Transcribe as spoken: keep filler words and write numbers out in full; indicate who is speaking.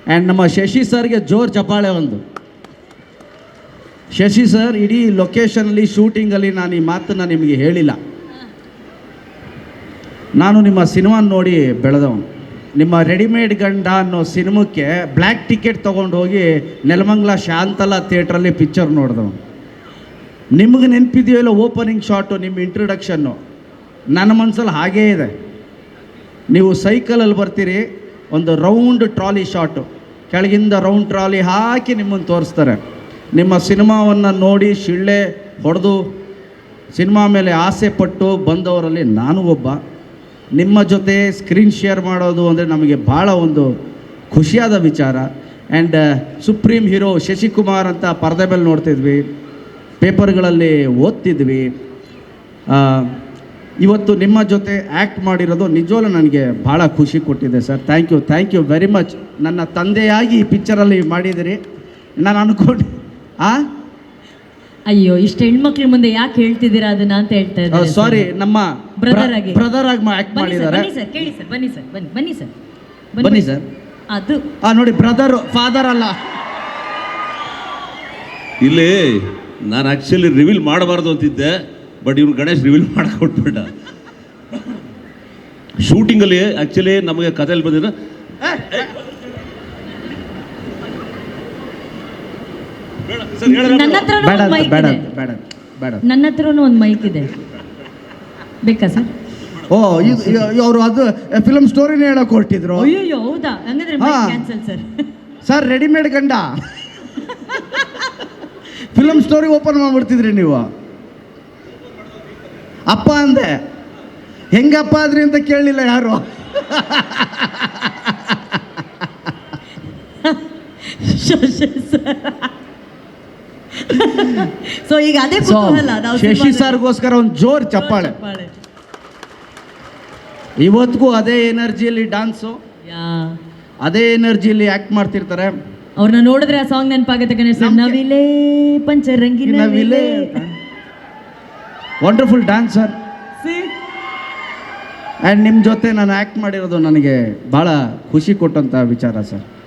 Speaker 1: And ನಮ್ಮ ಶಶಿ ಸರ್ಗೆ ಜೋರು ಚಪ್ಪಾಳೆ ಒಂದು. ಶಶಿ ಸರ್, ಇಡೀ ಲೊಕೇಶನಲ್ಲಿ ಶೂಟಿಂಗಲ್ಲಿ ನಾನು ಈ ಮಾತನ್ನು ನಿಮಗೆ ಹೇಳಿಲ್ಲ. ನಾನು ನಿಮ್ಮ ಸಿನಿಮಾ ನೋಡಿ ಬೆಳೆದವನು. ನಿಮ್ಮ ರೆಡಿಮೇಡ್ ಗಂಡ ಅನ್ನೋ ಸಿನಿಮಾಕ್ಕೆ ಬ್ಲ್ಯಾಕ್ ಟಿಕೆಟ್ ತೊಗೊಂಡು ಹೋಗಿ ನೆಲಮಂಗಲ ಶಾಂತಲಾ ಥಿಯೇಟ್ರಲ್ಲಿ ಪಿಕ್ಚರ್ ನೋಡಿದವನು. ನಿಮಗೆ ನೆನಪಿದೆಯೋ ಇಲ್ಲ ಓಪನಿಂಗ್ ಶಾಟು, ನಿಮ್ಮ ಇಂಟ್ರೊಡಕ್ಷನ್ನು ನನ್ನ ಮನಸ್ಸಲ್ಲಿ ಹಾಗೇ ಇದೆ. ನೀವು ಸೈಕಲಲ್ಲಿ ಬರ್ತೀರಿ, ಒಂದು ರೌಂಡ್ ಟ್ರಾಲಿ ಶಾಟು, ಕೆಳಗಿಂದ ರೌಂಡ್ ಟ್ರಾಲಿ ಹಾಕಿ ನಿಮ್ಮನ್ನು ತೋರಿಸ್ತಾರೆ. ನಿಮ್ಮ ಸಿನಿಮಾವನ್ನು ನೋಡಿ ಶಿಳ್ಳೆ ಹೊಡೆದು ಸಿನಿಮಾ ಮೇಲೆ ಆಸೆ ಪಟ್ಟು ಬಂದವರಲ್ಲಿ ನಾನು ಒಬ್ಬ. ನಿಮ್ಮ ಜೊತೆ ಸ್ಕ್ರೀನ್ ಶೇರ್ ಮಾಡೋದು ಅಂದರೆ ನಮಗೆ ಭಾಳ ಒಂದು ಖುಷಿಯಾದ ವಿಚಾರ. ಆ್ಯಂಡ್ ಸುಪ್ರೀಂ ಹೀರೋ ಶಶಿಕುಮಾರ್ ಅಂತ ಪರದೆ ಮೇಲೆ ನೋಡ್ತಿದ್ವಿ, ಪೇಪರ್ಗಳಲ್ಲಿ ಓದ್ತಿದ್ವಿ. ಇವತ್ತು ನಿಮ್ಮ ಜೊತೆ ಆ್ಯಕ್ಟ್ ಮಾಡಿರೋದು ನಿಜವಲ್ಲೂ ನನಗೆ ಭಾಳ ಖುಷಿ ಕೊಟ್ಟಿದೆ sir. Thank you, thank you very much. ನನ್ನ ತಂದೆಯಾಗಿ ಈ ಪಿಕ್ಚರಲ್ಲಿ ಮಾಡಿದಿರಿ. ನಾನು ಅಂದ್ಕೊಂಡು ಆ
Speaker 2: ಅಯ್ಯೋ, ಇಷ್ಟು ಹೆಣ್ಮಕ್ಳ ಮುಂದೆ ಯಾಕೆ ಹೇಳ್ತಿದ್ದೀರಾ ಅದನ್ನ ಅಂತ ಹೇಳ್ತಾ ಇದ್ದಾರೆ.
Speaker 1: ಸಾರಿ, ನಮ್ಮ
Speaker 2: ಬ್ರದರ್ ಆಗಿ
Speaker 1: ಬ್ರದರ್ ಆಗಿ ಆ್ಯಕ್ಟ್ ಮಾಡಿದ್ದಾರೆ.
Speaker 2: ಬನ್ನಿ ಸರ್, ಕೇಳಿ ಸರ್, ಬನ್ನಿ ಸರ್, ಬನ್ನಿ ಬನ್ನಿ ಸರ್,
Speaker 1: ಬನ್ನಿ ಸರ್.
Speaker 2: ಅದು
Speaker 1: ಆ ನೋಡಿ, ಬ್ರದರ್ ಫಾದರ್ ಅಲ್ಲ.
Speaker 3: ಇಲ್ಲಿ ನಾನು ಆ್ಯಕ್ಚುಲಿ ರಿವೀಲ್ ಮಾಡಬಾರ್ದು ಅಂತಿದ್ದೆ, ಬಟ್ ಇವ್ರು ಗಣೇಶ್ ರಿವೀಲ್ ಮಾಡಿಕೊಟ್ಬಿಟ್ಟ. ಶೂಟಿಂಗಲ್ಲಿ ಆ್ಯಕ್ಚುಲಿ ನಮಗೆ ಕಥೆಯಲ್ಲಿ ಬಂದಿರೋ
Speaker 2: ನನ್ನ ಹತ್ರನೂ
Speaker 1: ಬೇಡ
Speaker 2: ಒಂದು ಮೈಕ್
Speaker 1: ಬೇಡ
Speaker 2: ಇದೆ.
Speaker 1: ಬೇಡ ಬೇಡ
Speaker 2: ನನ್ನ ಹತ್ರನೂ ಒಂದು ಮೈಕ್ ಇದೆ, ಬೇಕಾ ಸರ್?
Speaker 1: ಓ, ಇದು ಅವರು ಅದು ಫಿಲಮ್ ಸ್ಟೋರಿನೇ ಹೇಳೋಕೆ ಹೊರಟಿದ್ರು.
Speaker 2: ಅಯ್ಯೋ, ಹೌದಾ? ಹಂಗಂದ್ರೆ mike cancel sir.
Speaker 1: Sir, readymade ಗಂಡ ಫಿಲಮ್ ಸ್ಟೋರಿ ಓಪನ್ ಮಾಡ್ಬಿಡ್ತಿದ್ರಿ ನೀವು. ಅಪ್ಪ ಅಂದೆ, ಹೆಂಗಪ್ಪ ಆದ್ರಿ ಅಂತ ಕೇಳಲಿಲ್ಲ ಯಾರು.
Speaker 2: ಸೊ ಈಗ ಅದೇ ಕುತೂಹಲ, ನಾವು
Speaker 1: ಶಶಿ ಸರ್ಗೋಸ್ಕರ ಒಂದು ಜೋರ್ ಚಪ್ಪಾಳೆ. ಇವತ್ತಿಗೂ ಅದೇ ಎನರ್ಜಿಯಲ್ಲಿ ಡಾನ್ಸು, ಅದೇ ಎನರ್ಜಿಯಲ್ಲಿ ಆಕ್ಟ್ ಮಾಡ್ತಿರ್ತಾರೆ.
Speaker 2: ಅವ್ರನ್ನ ನೋಡಿದ್ರೆ ಆ ಸಾಂಗ್ ನೆನಪಾಗುತ್ತೆ ಗಣೇಶ್. ನವಿಲೇ ಪಂಚರಂಗಿ ನವಿಲೇ.
Speaker 1: Wonderful dancer. ಆ್ಯಂಡ್ ನಿಮ್ಮ ಜೊತೆ ನಾನು ಆ್ಯಕ್ಟ್ ಮಾಡಿರೋದು ನನಗೆ ಭಾಳ ಖುಷಿ ಕೊಟ್ಟಂಥ ವಿಚಾರ ಸರ್.